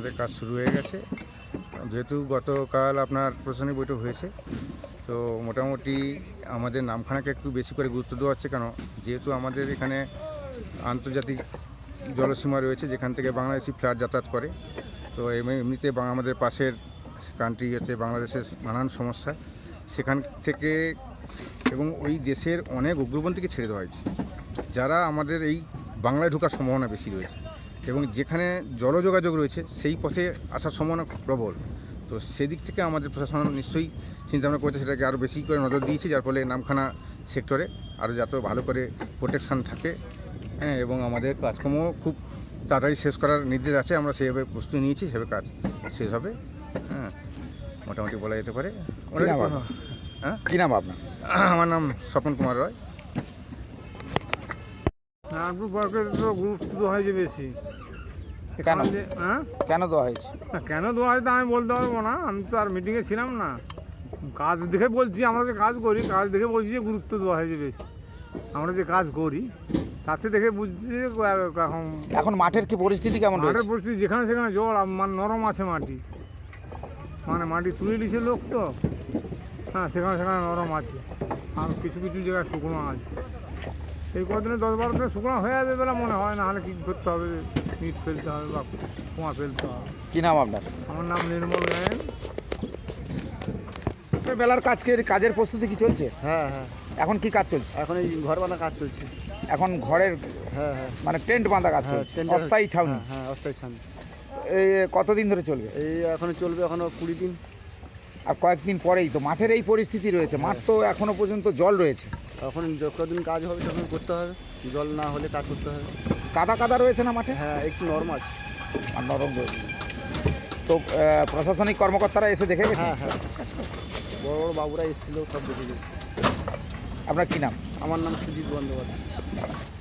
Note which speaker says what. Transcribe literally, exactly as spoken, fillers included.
Speaker 1: আমাদের কাজ শুরু হয়ে গেছে। যেহেতু গতকাল আপনার প্রশাসনিক বৈঠক হয়েছে, তো মোটামুটি আমাদের নামখানাকে একটু বেশি করে গুরুত্ব দেওয়া হচ্ছে। কেন, যেহেতু আমাদের এখানে আন্তর্জাতিক জলসীমা রয়েছে যেখান থেকে বাংলাদেশি ফ্লাইট যাতায়াত করে। তো এমনিতে আমাদের পাশের কান্ট্রি হচ্ছে বাংলাদেশের নানান সমস্যা, সেখান থেকে এবং ওই দেশের অনেক উগ্রপন্থীকে ছেড়ে দেওয়া হয়েছে, যারা আমাদের এই বাংলায় ঢোকার সম্ভাবনা বেশি রয়েছে এবং যেখানে জলযোগাযোগ রয়েছে সেই পথে আসার সম্ভাবনা প্রবল। তো সেদিক থেকে আমাদের প্রশাসন নিশ্চয়ই চিন্তাভাবনা করেছে, সেটাকে আরও বেশি করে নজর দিয়েছে, যার ফলে নামখানা সেক্টরে আরও যাতে ভালো করে প্রোটেকশান থাকে। হ্যাঁ, এবং আমাদের কাজকর্ম খুব তাড়াতাড়ি শেষ করার নির্দেশ আছে। আমরা সেভাবে প্রস্তুতি নিয়েছি, সেভাবে কাজ শেষ হবে। হ্যাঁ, মোটামুটি বলা যেতে পারে। হ্যাঁ,
Speaker 2: কী নাম আপনার?
Speaker 1: আমার নাম স্বপন কুমার রয়।
Speaker 3: নাগপুর পার্কের তো গুরুত্ব দেওয়া হয়েছে বেশি।
Speaker 2: কেন
Speaker 3: হ্যাঁ
Speaker 2: কেন দেওয়া হয়েছে?
Speaker 3: না, কেন দেওয়া হয়েছে আমি বলতে পারবো না, আমি তো আর মিটিংয়ে ছিলাম না। কাজ দেখে বলছি, আমরা যে কাজ করি কাজ দেখে বলছি যে গুরুত্ব দেওয়া হয়েছে বেশি। আমরা যে কাজ করি তাতে দেখে বুঝছি যে এখন
Speaker 2: এখন মাঠের কি পরিস্থিতি কেমন রয়েছে?
Speaker 3: মাঠের পরিস্থিতি যেখানে সেখানে জল, মানে নরম আছে মাটি, মানে মাটি তুলে দিছে লোক তো। হ্যাঁ, সেখানে সেখানে নরম আছে, আর কিছু কিছু জায়গায় শুকনো আছে। এই কদিনে দশ বারো দিনে শুকনো হয়ে যাবে বলে মনে হয়, না হলে কী করতে হবে, ইট ফেলতে হবে বা কুয়া ফেলতে হবে।
Speaker 2: কী নাম আপনার?
Speaker 3: আমার নাম নির্মল গায়েন।
Speaker 2: বেলার কাজ কাজের প্রস্তুতি কি চলছে?
Speaker 4: হ্যাঁ হ্যাঁ,
Speaker 2: এখন কি কাজ চলছে?
Speaker 4: এখন এই ঘর বাঁধা কাজ চলছে।
Speaker 2: এখন ঘরের
Speaker 4: হ্যাঁ হ্যাঁ,
Speaker 2: মানে টেন্ট বাঁধা কাজ
Speaker 4: হ্যাঁ,
Speaker 2: চলছে,
Speaker 4: টেন্ডার-
Speaker 2: অস্থায়ী ছাউনি।
Speaker 4: হ্যাঁ হ্যাঁ, অস্থায়ী ছাউনি।
Speaker 2: এই কতদিন ধরে চলবে?
Speaker 4: এই এখনো চলবে, এখনো কুড়ি দিন।
Speaker 2: আর কয়েকদিন পরেই তো মাঠের এই পরিস্থিতি রয়েছে, মাঠ তো এখনো পর্যন্ত জল রয়েছে।
Speaker 4: এখন যতদিন কাজ হবে তখন করতে হবে, জল না হলে কাজ করতে হবে।
Speaker 2: কাদা কাদা রয়েছে না মাঠে?
Speaker 4: হ্যাঁ, একটু নরম আছে।
Speaker 2: আর নরম রয়েছে। তো আহ, প্রশাসনিক কর্মকর্তারা এসে দেখে গেছে?
Speaker 4: হ্যাঁ হ্যাঁ, বড় বড় বাবুরা এসেছিল, সব দেখে গেছে।
Speaker 2: আপনার কি নাম?
Speaker 4: আমার নাম সুজিত বন্দ্যোপাধ্যায়।